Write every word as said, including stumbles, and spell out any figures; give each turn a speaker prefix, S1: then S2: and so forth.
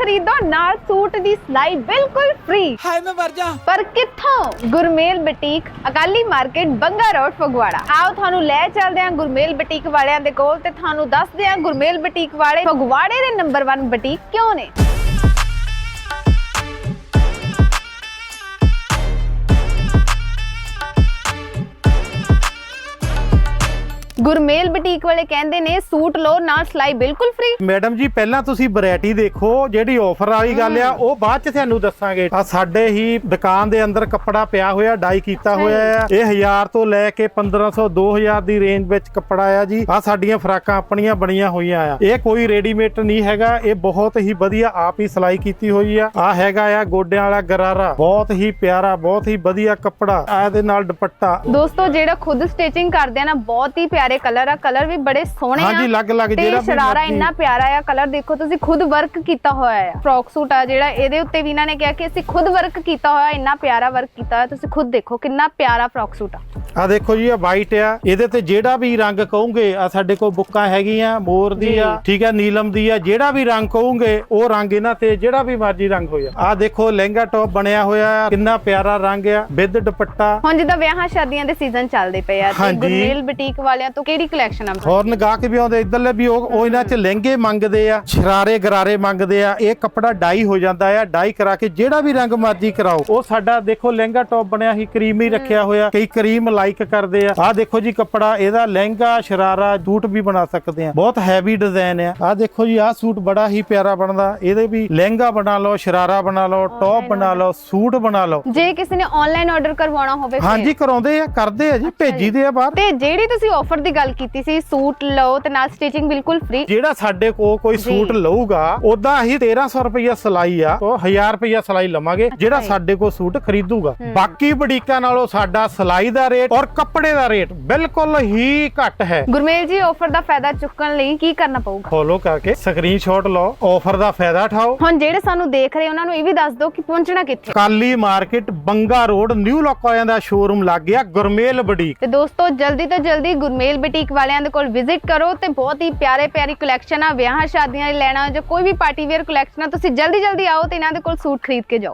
S1: खरीदो नाल सूट दी सिलाई बिल्कुल फ्री।
S2: हाय मैं मर जा।
S1: पर कित्थों? Gurmel boutique Akali market Banga road Phagwara. आओ थानू ले चलदे हां गुरमेल बुटीक वालियां दे कोल ते थानू दसदे हां गुरमेल बुटीक वाले फगवाड़े दे नंबर वन बुटीक क्यों ने। गुरमेल बुटीक वाले कहंदे ने सूट लो नाल सिलाई बिल्कुल फ्री।
S3: मैडम जी पहला तुसी वैरायटी देखो, जेडी ऑफर वाली गल आ ਉਹ ਬਾਅਦ ਚ ਤੁਹਾਨੂੰ ਦੱਸਾਂਗੇ। ਆ ਸਾਡੇ ਹੀ ਦੁਕਾਨ ਦੇ ਅੰਦਰ ਕੱਪੜਾ ਪਿਆ ਹੋਇਆ, ਡਾਈ ਕੀਤਾ ਹੋਇਆ ਆ। ਇਹ ਹਜ਼ਾਰ ਤੋਂ ਲੈ ਕੇ ਪੰਦਰਾਂ ਸੌ ਦੋ ਹਜ਼ਾਰ ਦੀ ਰੇਂਜ ਵਿੱਚ ਕੱਪੜਾ ਆ ਜੀ। ਆ ਸਾਡੀਆਂ ਫਰਾਕਾਂ ਆਪਣੀਆਂ ਬਣੀਆਂ ਹੋਈਆਂ ਆ। ਇਹ ਕੋਈ ਰੈਡੀਮੇਡ ਨਹੀਂ ਹੈਗਾ, ਇਹ ਬਹੁਤ ਹੀ ਵਧੀਆ ਆਪ ਹੀ ਸਿਲਾਈ ਕੀਤੀ ਹੋਈ ਆ। ਆ ਹੈਗਾ ਆ ਗੋਡਿਆਂ ਵਾਲਾ ਗਰਾਰਾ, ਬਹੁਤ ਹੀ ਪਿਆਰਾ, ਬਹੁਤ ਹੀ ਵਧੀਆ ਕੱਪੜਾ। ਆ ਇਹਦੇ ਨਾਲ ਦੁਪੱਟਾ।
S1: ਦੋਸਤੋ ਜਿਹੜਾ ਖੁਦ ਸਟਿਚਿੰਗ ਕਰਦੇ ਆ ਨਾ, ਬਹੁਤ ਹੀ ਪਿਆਰੇ कलर आ, कलर भी बड़े सोहने आ।
S3: ਹਾਂਜੀ ਲੱਗ ਲੱਗ
S1: ਜਿਹੜਾ ਸ਼ਰਾਰਾ ਇੰਨਾ ਪਿਆਰਾ ਆ, ਕਲਰ ਦੇਖੋ ਤੁਸੀਂ ਖੁਦ ਵਰਕ ਕੀਤਾ ਹੋਇਆ ਆ। ਫਰੋਕ ਸੂਟ ਆ ਜਿਹੜਾ, ਇਹਦੇ ਉੱਤੇ ਵੀ ਇਹਨਾਂ ਨੇ ਕਿਹਾ ਕਿ ਅਸੀਂ ਖੁਦ ਵਰਕ ਕੀਤਾ ਹੋਇਆ, ਇੰਨਾ ਪਿਆਰਾ ਵਰਕ ਕੀਤਾ ਹੋਇਆ। ਤੁਸੀਂ ਖੁਦ ਦੇਖੋ ਕਿੰਨਾ ਪਿਆਰਾ ਫਰੋਕ ਸੂਟ ਆ।
S3: ਆ ਦੇਖੋ ਜੀ, ਆ ਵਾਈਟ ਆ। ਇਹਦੇ ਤੇ ਜਿਹੜਾ ਵੀ ਰੰਗ ਕਹੋਗੇ, ਆ ਸਾਡੇ ਕੋਲ ਬੁੱਕਾਂ ਹੈਗੀਆਂ, ਮੋਰ ਦੀ ਆ, ਠੀਕ ਆ, ਨੀਲਮ ਦੀ ਆ। ਜਿਹੜਾ ਵੀ ਰੰਗ ਕਹੋਗੇ ਉਹ ਰੰਗ ਇਹਨਾਂ ਤੇ ਜਿਹੜਾ ਵੀ ਮਰਜ਼ੀ ਰੰਗ ਹੋਇਆ। ਆ ਦੇਖੋ ਲਹਿੰਗਾ ਟੌਪ ਬਣਿਆ ਹੋਇਆ, ਕਿੰਨਾ ਪਿਆਰਾ ਰੰਗ ਆ, ਵਿਦ ਦੁਪੱਟਾ। ਹੁਣ
S1: ਜਿੱਦਾਂ ਵਿਆਹਾਂ ਸ਼ਾਦੀਆਂ ਦੇ ਸੀਜ਼ਨ ਚੱਲਦੇ ਪਏ ਆ, ਤੇ ਗੁਰਮੇਲ ਬੁਟੀਕ ਵਾਲਿਆਂ ਤੋਂ ਕਿਹੜੀ ਕਲੈਕਸ਼ਨ ਆ?
S3: ਹੋਰ ਗਾਹਕ ਵੀ ਆਉਂਦੇ ਇਧਰਲੇ ਵੀ, ਉਹ ਇਹਨਾਂ ਚ ਲਹਿੰਗੇ ਮੰਗਦੇ ਆ, ਸ਼ਰਾਰੇ ਗਰਾਰੇ ਮੰਗਦੇ ਆ। ਇਹ ਕੱਪੜਾ ਡਾਈ ਹੋ ਜਾਂਦਾ ਆ, ਡਾਈ ਕਰਾ ਕੇ ਜਿਹੜਾ ਵੀ ਰੰਗ ਮਰਜ਼ੀ ਕਰਾਓ। ਉਹ ਸਾਡਾ ਦੇਖੋ ਲਹਿੰਗਾ ਟੌਪ ਬਣਿਆ ਹੀ ਕਰੀਮ ਹੀ ਰੱਖਿਆ ਹੋਇਆ, ਕਈ ਕਰੀਮ ਲਾਈਕ ਕਰਦੇ ਆ। ਆ ਦੇਖੋ ਜੀ ਕੱਪੜਾ, ਇਹਦਾ ਲਹਿੰਗਾ ਸ਼ਰਾਰਾ ਸੂਟ ਵੀ ਬਣਾ ਸਕਦੇ ਆ। ਬਹੁਤ ਹੈਵੀ ਡਿਜ਼ਾਈਨ ਆ। ਆ ਦੇਖੋ ਜੀ, ਆ ਸੂਟ ਬੜਾ ਹੀ ਪਿਆਰਾ ਬਣਦਾ। ਇਹਦੇ ਵੀ ਲਹਿੰਗਾ ਬਣਾ ਲਓ, ਸ਼ਰਾਰਾ ਬਣਾ ਲਓ, ਟੌਪ ਬਣਾ ਲਓ, ਸੂਟ ਬਣਾ ਲਓ।
S1: ਜੇ ਕਿਸੇ ਨੇ ਆਨਲਾਈਨ ਆਰਡਰ ਕਰਵਾਉਣਾ ਹੋਵੇ,
S3: ਹਾਂਜੀ ਕਰਾਉਂਦੇ ਆ, ਕਰਦੇ ਆ ਜੀ, ਭੇਜੀਦੇ ਆ ਬਾਹਰ। ਤੇ
S1: ਜਿਹੜੀ ਤੁਸੀਂ ਆਫਰ ਦੀ ਗੱਲ ਕੀਤੀ ਸੀ, सूट लो ते नाल स्टिचिंग बिल्कुल फ्री।
S3: जेड़ा साडे को कोई सूट लऊगा ओदा ही तेरह सौ रुपया सिलाई आ, तो हजार रुपया सिलाई लवांगे जेड़ा साडे को सूट खरीदूगा। बाकी बुटीकां नालों साडा सिलाई दा रेट और कपड़े दा रेट बिल्कुल ही घट है।
S1: गुरमेल जी ऑफर दा फायदा चुकण लई की करना पऊगा?
S3: फॉलो करके स्क्रीनशॉट लो, ऑफर दा फायदा उठाओ।
S1: हुण जेड़े सानू देख रहे उन्हां नू ये भी दस दो कि पहुंचना कित्थे?
S3: काली market Banga road new lock वालियां दा शोरूम लग गया गुरमेल बुटीक।
S1: ते दोस्तों जल्दी तो जल्दी गुरमेल बुटीक वालियां दे कोल विजिट करो ते बहुत ही प्यारे प्यारी कलैक्शन आ। विआह शादियां लई लैना जो कोई भी पार्टी वेयर कलैक्शन आ, तुसीं जल्दी जल्दी आओ ते इन्हां दे कोल सूट खरीद के जाओ।